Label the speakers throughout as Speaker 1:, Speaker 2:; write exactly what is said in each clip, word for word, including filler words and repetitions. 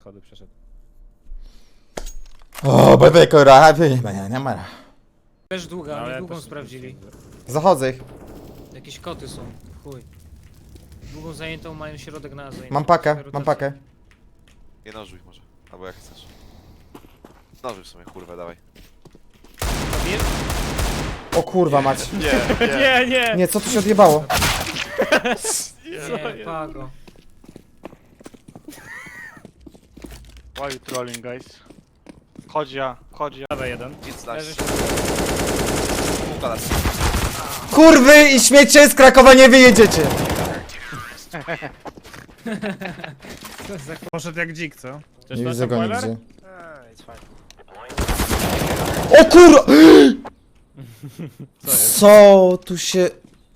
Speaker 1: Schody przeszedł.
Speaker 2: O, bebek, nie ma.
Speaker 3: Też długa,
Speaker 1: Ale
Speaker 3: oni długą
Speaker 1: też-
Speaker 3: sprawdzili.
Speaker 2: Zachodzę ich.
Speaker 3: Jakieś koty są, chuj. Długą zajętą mają środek na zajętą.
Speaker 2: Mam pakę, mam pakę.
Speaker 4: Nie nożuj może, albo jak chcesz. Nożuj w sumie, kurwa, dawaj.
Speaker 2: O kurwa mać.
Speaker 4: Nie, nie.
Speaker 1: Nie, nie!
Speaker 2: Nie, co tu się odjebało?
Speaker 3: Nie, pago.
Speaker 5: Why you trolling, guys? Chodź ja, chodź ja.
Speaker 1: Dawaj jeden.
Speaker 4: Nic na
Speaker 1: Leżysz.
Speaker 2: Kurwy i śmiecie z Krakowa nie wyjedziecie!
Speaker 5: Poszedł jak dzik, co?
Speaker 1: Chcesz
Speaker 2: Nie
Speaker 1: to
Speaker 2: widzę go
Speaker 1: spoiler?
Speaker 2: nigdzie.
Speaker 5: Eee, it's fine.
Speaker 2: O kurwa!
Speaker 1: Co jest?
Speaker 2: Co tu się...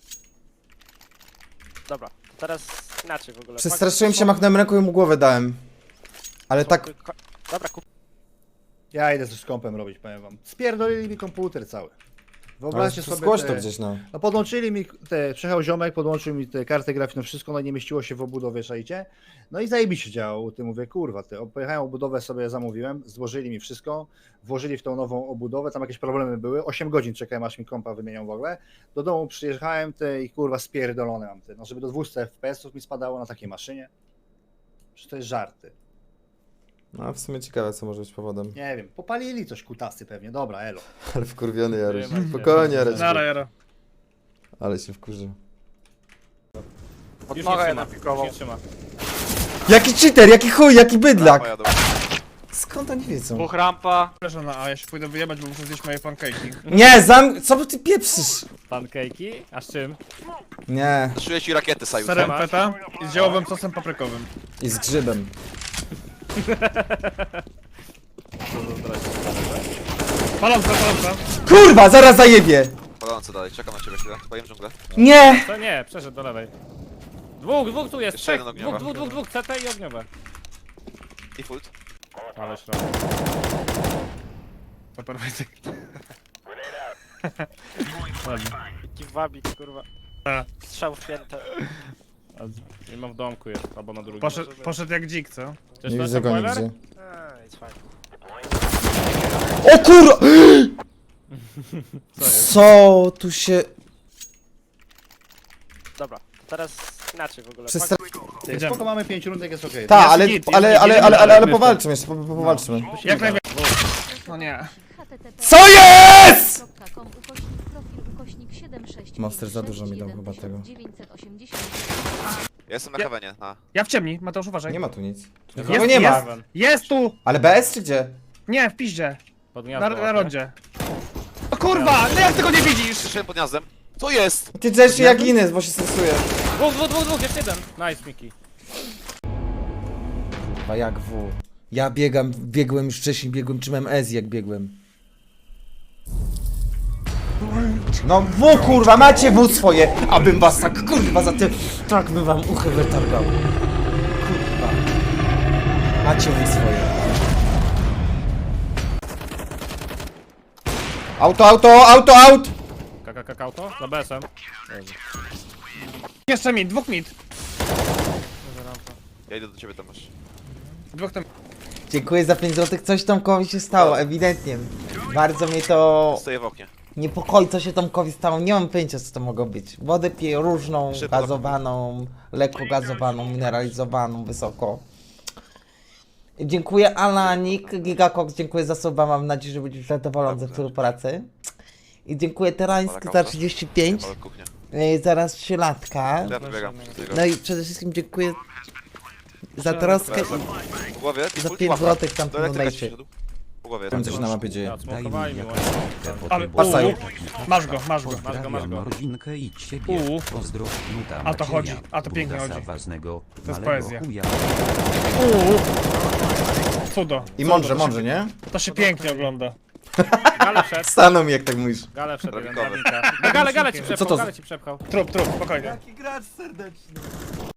Speaker 5: Dobra, teraz inaczej w ogóle.
Speaker 2: Przestraszyłem się, machnąłem ręką i mu głowę dałem. Ale tak...
Speaker 5: Dobra, kup.
Speaker 6: Ja idę z kompem robić, powiem wam. Spierdolili mi komputer cały.
Speaker 2: Ale
Speaker 6: Wyobraźcie sobie
Speaker 2: skłoś to
Speaker 6: te,
Speaker 2: gdzieś, no.
Speaker 6: no podłączyli mi, te, przyjechał ziomek, podłączył mi te kartę graficzną, wszystko, no nie mieściło się w obudowie, szajcie. No i zajebiście działało, ty mówię, kurwa, ty, pojechałem obudowę sobie, zamówiłem, złożyli mi wszystko, włożyli w tą nową obudowę, tam jakieś problemy były, osiem godzin czekałem, aż mi kompa wymienią w ogóle. Do domu przyjechałem, te i kurwa spierdolone mam, te, no żeby do dwieście F P S-ów mi spadało na takiej maszynie. Że to jest żarty.
Speaker 2: No w sumie ciekawe co może być powodem.
Speaker 6: Nie wiem, popalili coś kutasy pewnie, dobra, elo.
Speaker 2: Ale wkurwiony Jaruś.
Speaker 1: Trzymaj się.
Speaker 2: Spokojnie Jaruś.
Speaker 5: Nara, jara.
Speaker 2: Ale się wkurzy.
Speaker 5: Od
Speaker 1: Już
Speaker 5: noga
Speaker 1: nie
Speaker 5: jedna
Speaker 1: trzyma, już
Speaker 5: pikował.
Speaker 1: nie trzyma.
Speaker 2: Jaki cheater, jaki chuj, jaki bydlak!
Speaker 4: Moja do...
Speaker 2: Skąd oni wiedzą?
Speaker 5: Dwóch rampa.
Speaker 7: Leżę na A, ja się pójdę wyjebać, bo muszę zjeść moje pancake'i.
Speaker 2: Nie, zam... co ty pieprzysz?
Speaker 1: Pancake'i? A z czym?
Speaker 2: Nie.
Speaker 4: Zaszuję ci rakiety,
Speaker 7: Z
Speaker 4: Sajus.
Speaker 7: serem
Speaker 1: masz?
Speaker 7: feta i z ziołowym sosem paprykowym.
Speaker 2: I z grzybem.
Speaker 7: Paląca, paląca.
Speaker 2: Kurwa, zaraz zajebie!
Speaker 4: Palące dalej, czekam na ciebie chwilę. Pojem dżunglę.
Speaker 2: Nie!
Speaker 1: To nie, przeszedł do lewej. Dwóch, dwóch tu jest,
Speaker 4: Jeszcze
Speaker 1: trzech,
Speaker 4: jeden
Speaker 1: dwóch,
Speaker 4: ogniowa.
Speaker 1: dwóch, dwóch, dwóch, C T i ogniowe.
Speaker 4: Default.
Speaker 1: Ale środek.
Speaker 7: Paperwajty.
Speaker 5: Jaki wabik, kurwa.
Speaker 7: A.
Speaker 5: Strzał wpięte.
Speaker 1: A z- Nie ma w domku jest, albo na drugim.
Speaker 7: Poszedł, poszedł jak dzik, co?
Speaker 1: Chcesz
Speaker 2: Nie
Speaker 1: to
Speaker 2: widzę go
Speaker 1: spoiler?
Speaker 2: nigdzie.
Speaker 5: Eee, it's fine.
Speaker 2: O kurwa!
Speaker 1: Co jest?
Speaker 2: Co tu się...
Speaker 5: Dobra, teraz inaczej w ogóle.
Speaker 2: Przestra...
Speaker 6: Ty,
Speaker 7: Idziemy.
Speaker 6: spoko, mamy pięć rundek, jest okej.
Speaker 2: Ta,
Speaker 7: Jest
Speaker 2: ale,
Speaker 7: git, jest
Speaker 2: ale,
Speaker 7: git,
Speaker 2: ale,
Speaker 7: jedziemy
Speaker 2: ale, ale,
Speaker 7: dalej,
Speaker 2: ale
Speaker 7: myślę.
Speaker 2: powalczymy jeszcze, po- po- powalczymy.
Speaker 7: Jak najwięcej. No nie.
Speaker 2: Co jest?!
Speaker 8: Monster za dużo mi dał chyba tego.
Speaker 4: Ja jestem na
Speaker 7: Ja-
Speaker 4: kawenie, na.
Speaker 7: Ja w ciemni, Mateusz uważaj.
Speaker 2: Nie ma tu nic.
Speaker 1: Jest,
Speaker 2: Nikogo nie ma.
Speaker 1: jest.
Speaker 7: Jest tu!
Speaker 2: Ale B S czy gdzie?
Speaker 7: Nie, w piździe.
Speaker 1: Pod
Speaker 7: Na,
Speaker 1: gniazdo
Speaker 7: na
Speaker 1: łapie.
Speaker 7: rondzie. O kurwa, no jak tego nie widzisz?
Speaker 4: Przyszedłem pod gniazdem. Co jest?
Speaker 2: Ty drzesz się jak Ines, bo się stresuje.
Speaker 1: Dwóch, dwóch, dwóch, dwóch, jeszcze jeden. Nice, Miki.
Speaker 2: A jak W? Ja biegam, biegłem już wcześniej, biegłem, trzymałem S jak biegłem. No W kurwa, macie W swoje, abym was tak kurwa za te... Tak bym wam uchy wytargał. Kurwa. Macie W swoje. Auto, auto, auto, aut!
Speaker 1: Kaka, kakauto? Za B S-em.
Speaker 7: Jeszcze mit, dwóch mit.
Speaker 4: Ja idę do ciebie tam masz.
Speaker 7: Dwóch tam.
Speaker 2: Dziękuję za pięć złotych, coś Tomkowi się stało, ewidentnie. Bardzo mnie to
Speaker 4: Stoję w oknie.
Speaker 2: niepokoi, co się Tomkowi stało. Nie mam pojęcia, co to mogło być. Wodę piję różną,
Speaker 4: Szybko.
Speaker 2: gazowaną, lekko gazowaną, mineralizowaną, wysoko. Dziękuję Alanik, Gigacox, dziękuję za suba, mam nadzieję, że będziesz zadowolony ze wtóru pracy. I dziękuję Terańsk za trzydzieści pięć,
Speaker 4: Ale kuchnia.
Speaker 2: yy, zaraz trzylatka.
Speaker 4: Ja wybiegam z tego.
Speaker 2: No i przede wszystkim dziękuję za troskę
Speaker 4: Po głowie,
Speaker 2: i za
Speaker 4: default,
Speaker 2: pięć
Speaker 4: łapa.
Speaker 2: złotych tam
Speaker 4: Do elektryka ci
Speaker 2: donajcie.
Speaker 4: wszedł. Po głowie.
Speaker 2: Tam coś na mapie dzieje.
Speaker 1: Ja smokowali mi ładnie.
Speaker 7: Ale
Speaker 2: Pasaju.
Speaker 7: uuu, masz go, masz go.
Speaker 1: Masz go, masz go.
Speaker 9: rodzinkę i ciebie.
Speaker 7: Uuu.
Speaker 9: Pozdrów Nuta
Speaker 7: A to
Speaker 9: Macieja,
Speaker 7: chodzi, a to pięknie
Speaker 9: Brudasa
Speaker 7: chodzi.
Speaker 9: Ważnego,
Speaker 7: To jest
Speaker 9: malego
Speaker 7: poezja.
Speaker 9: chuja.
Speaker 7: Uuu. Cudo.
Speaker 2: I mądrze, mądrze, nie?
Speaker 7: To się pięknie ogląda.
Speaker 1: Gale wszedł,
Speaker 2: Staną mi jak tak mówisz.
Speaker 1: gale wszedł jeden,
Speaker 4: Drabinkowy.
Speaker 1: drabinka. No gale, gale ci przepchał,
Speaker 2: Co to za-
Speaker 1: gale ci przepchał.
Speaker 7: Trup, trup, spokojnie.